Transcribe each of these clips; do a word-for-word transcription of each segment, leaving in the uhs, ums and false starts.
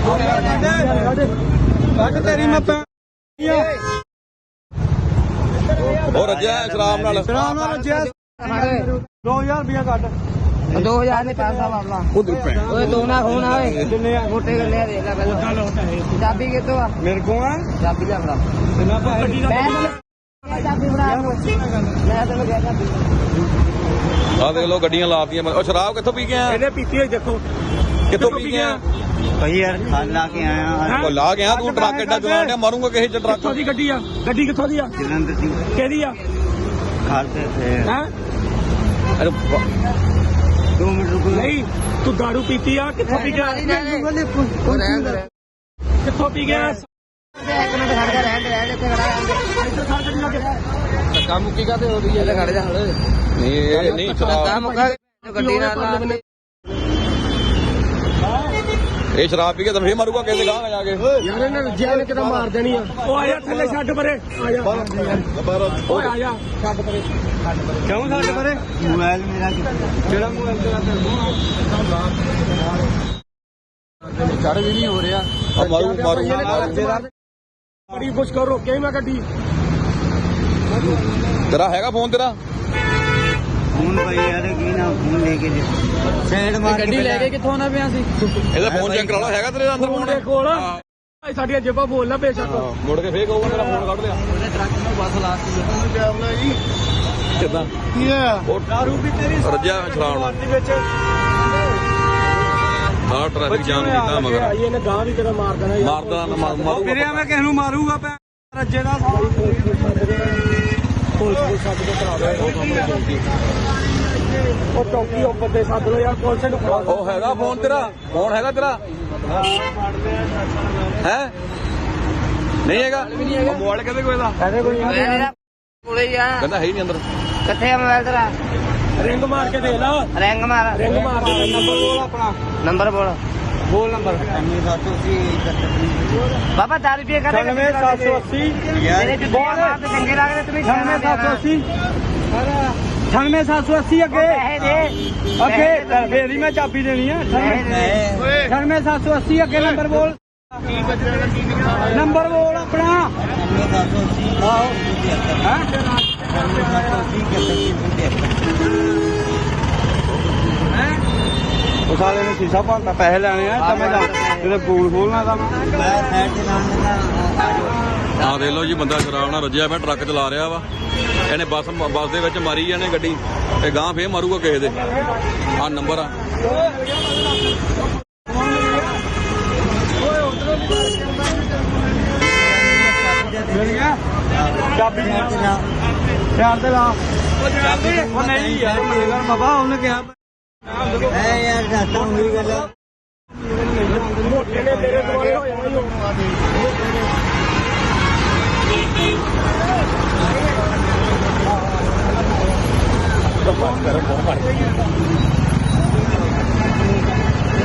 तेरी मैं और रज्जा शराब नाल शराब नाल रज्जा दो हजार रुपया कट दो हजार ने पैसा वापला उधर पे ओए दो ना खून आवे मोटे कर ले देख ले पहले चाबी कितो आ मेरे को है चाबी ले बड़ा मैं चाबी बड़ा मैं तेन गया चाबी आ देख लो गड्डियां लातीयां और शराब कित्थों पी के आया ਇਹਨੇ ਪੀਤੀ ਹੋਈ ਦੇਖੋ कित्थों पी के आया ਭਾਈ ਯਾਰ ਖਾਲ ਲਾ ਕੇ ਆਇਆ ਉਹ ਲਾ ਗਿਆ ਤੂੰ ਟਰੱਕ ਐਡਾ ਚਲਾਣ ਡਿਆ ਮਾਰੂੰਗਾ ਕਿਸੇ ਚ ਟਰੱਕ ਕਿੱਥੋਂ ਦੀ ਗੱਡੀ ਆ ਗੱਡੀ ਕਿੱਥੋਂ ਦੀ ਆ ਜਲੰਧਰ ਦੀ ਕਿਹਦੀ ਆ ਖਾਲ ਤੇ ਥੇ ਹੈ ਅਰੇ दो मिनट रुको ਨਹੀਂ ਤੂੰ ਦਾਰੂ ਪੀਤੀ ਆ ਕਿੱਥੋਂ ਪੀ ਗਿਆ ਕਿੱਥੋਂ ਪੀ ਗਿਆ एक मिनट खड़ जा रहने रहने ते खड़ा ਇੱਧਰ ਖੜ ਗੱਡੀ ਲਾ ਕੇ धक्का मुक्की का ते हो रही है खड़ जा हड़े ਨਹੀਂ ਇਹ ਨਹੀਂ धक्का ਸ਼ਰਾਬ मुक्का गड्डी नाल ਇਹ ਸ਼ਰਾਬ ਪੀ ਕੇ ਤਾਂ ਫੇਰ ਮਾਰੂਗਾ ਕਿਸੇ ਗਾਂ ਜਾ ਕੇ ਯਾਰ ਇਹਨਾਂ ਰੱਜਿਆ ਨੇ ਕਿਤੇ ਮਾਰ ਦੇਣੀ ਆ ਉਹ ਆਇਆ ਥੱਲੇ ਛੱਡ ਪਰੇ ਆ ਜਾ ਓਏ ਆ ਜਾ ਛੱਡ ਪਰੇ ਕਿਉਂ ਛੱਡ ਪਰੇ मोबाइल मेरा ਜਿਹੜਾ ਮੋਬਾਈਲ ਤੇਰਾ ਤੇ चढ़ भी नहीं हो रहा ਆ ਮਾਰੂ ਮਾਰੂ ਬੜੀ ਕੁਛ ਕਰ ਰੋਕੇ ਮੈਂ ਗੱਡੀ ਤੇਰਾ ਹੈਗਾ ਫੋਨ ਤੇਰਾ फोन भाई यार की ना फोन लेके साइड मार गड्डी लेके किथों ना पिया सी ਇਹਦਾ ਫੋਨ ਚੈੱਕ ਕਰਾ ਲਓ ਹੈਗਾ ਤੇਰੇ ਅੰਦਰ ਫੋਨ ਫੋਨ ਦੇ ਕੋਲ ਸਾਡੀਆਂ ਜੇਬਾਂ ਬੋਲ ਨਾ ਬੇਸ਼ੱਕ ਮੁੜ ਕੇ ਫੇਰ ਕਹੂਗਾ ਤੇਰਾ ਫੋਨ ਕੱਢ ਲਿਆ ਉਹਨੇ ਟਰੱਕ ਨੂੰ ਬੱਸ ਲਾਤੀ ਕਿੱਦਾਂ ਕੀ ਆ ਉਹ ਦਾਰੂ ਵੀ ਤੇਰੀ ਰੱਜਿਆ ਸ਼ਰਾਬ ਨਾਲ ਦੇ ਵਿੱਚ ਹਾਂ ਟ੍ਰੈਫਿਕ ਜਾਮ ਕੀਤਾ ਮਗਰ ਆਈ ਇਹਨੇ ਗਾਂ ਵੀ ਤੇਰਾ ਮਾਰ ਦੇਣਾ ਯਾਰ ਮਾਰਦਾ ਨਾ ਮਾਰ- ਮਾਰੂਗਾ ਵੀਰੇ ਮੈਂ ਕਿਸ ਨੂੰ ਮਾਰੂਗਾ ਪੈ ਰੱਜੇ ਦਾ ਪੁਲਿਸ ਨੂੰ ਸੱਦ ਕੇ ਕਰਾ ਦੇ ਉਹ ਚੌਕੀ ਉਹ ਬੰਦੇ ਸੱਦ ਲੋ ਯਾਰ ਪੁਲਿਸ ਨੂੰ ਫੜਾ ਉਹ ਹੈਗਾ ਫੋਨ ਤੇਰਾ ਫੋਨ ਹੈਗਾ ਤੇਰਾ ਹੈ ਨਹੀਂ ਹੈਗਾ ਮੋਬਾਈਲ ਕਿਹਦੇ ਕੋਲ ਇਹਦਾ ਕਹਿੰਦੇ ਕੋਈ ਮੇਰਾ ਕੋਲੇ ਹੀ ਆ ਕਹਿੰਦਾ ਹੈ ਹੀ ਨਹੀਂ ਅੰਦਰ ਕਿੱਥੇ ਆ ਮੋਬਾਈਲ ਤੇਰਾ ਰਿੰਗ ਮਾਰ ਕੇ ਦੇ ਲਾ ਰਿੰਗ ਮਾਰ ਰਿੰਗ ਮਾਰ ਦੇ ਨੰਬਰ ਬੋਲ ਆਪਣਾ ਨੰਬਰ ਬੋਲ ਬੋਲ ਨੰਬਰ ਬਾਬਾ ਦਾਰੂ ਪੀਏ ਕਾ ਅਠਾਨਵੇਂ ਸੱਤ ਸੌ ਅੱਸੀ ਮੇਰੇ ਤੇ ਬੋਲ ਤੇ ਚੰਗੇ ਲੱਗਦੇ ਤੁਸੀਂ ਅਠਾਨਵੇਂ ਸੱਤ ਸੌ ਅੱਸੀ ਅਠਾਨਵੇਂ ਸੱਤ ਸੌ ਅੱਸੀ ਅੱਗੇ ਪੈਸੇ ਦੇ ਅੱਗੇ ਫੇਰ ਹੀ ਮੈਂ ਚਾਬੀ ਦੇਣੀ ਆ ਅਠਾਨਵੇਂ ਸੱਤ ਸੌ ਅੱਸੀ ਅੱਗੇ ਨੰਬਰ ਬੋਲ ਨੰਬਰ ਬੋਲ ਆਪਣਾ ਆਹੋ ਹੈ ਉਹ ਸਾਲੇ ਨੇ ਸ਼ੀਸ਼ਾ ਭੰਨਤਾ ਪੈਸੇ ਲੈਣੇ ਆ ਤਾਂ ਮੈਂ ਤੇਰੇ ਪੂਲ ਖੋਲਣਾ ਤਾਂ ਆ ਦੇਖ ਲਓ ਜੀ ਬੰਦਾ ਸ਼ਰਾਬ ਨਾਲ ਰੱਜਿਆ ਪਿਆ ਟਰੱਕ ਚਲਾ ਰਿਹਾ ਵਾ ਇਹਨੇ ਬੱਸ ਬੱਸ ਦੇ ਵਿੱਚ ਮਾਰੀ ਜਾਣੇ ਗੱਡੀ ਤੇ ਗਾਂ ਫੇਰ ਮਾਰੂਗਾ ਕਿਸੇ ਦੇ ਆ ਨੰਬਰ ਆ ਮਿਲ ਗਿਆ ਚਾਬੀ ਧਿਆਨ ਤੇ ਲਾ ਉਹ ਨਹੀਂ ਯਾਰ ਮੇਰਾ ਬਾਬਾ ਉਹਨੇ ਕਿਹਾ है यार जाता हूँ हुई गल ਮੋਟੇ ਨੇ ਤੇਰੇ ਦੁਆਲੇ ਹੋ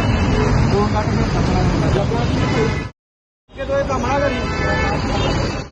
ਜਾਣਾ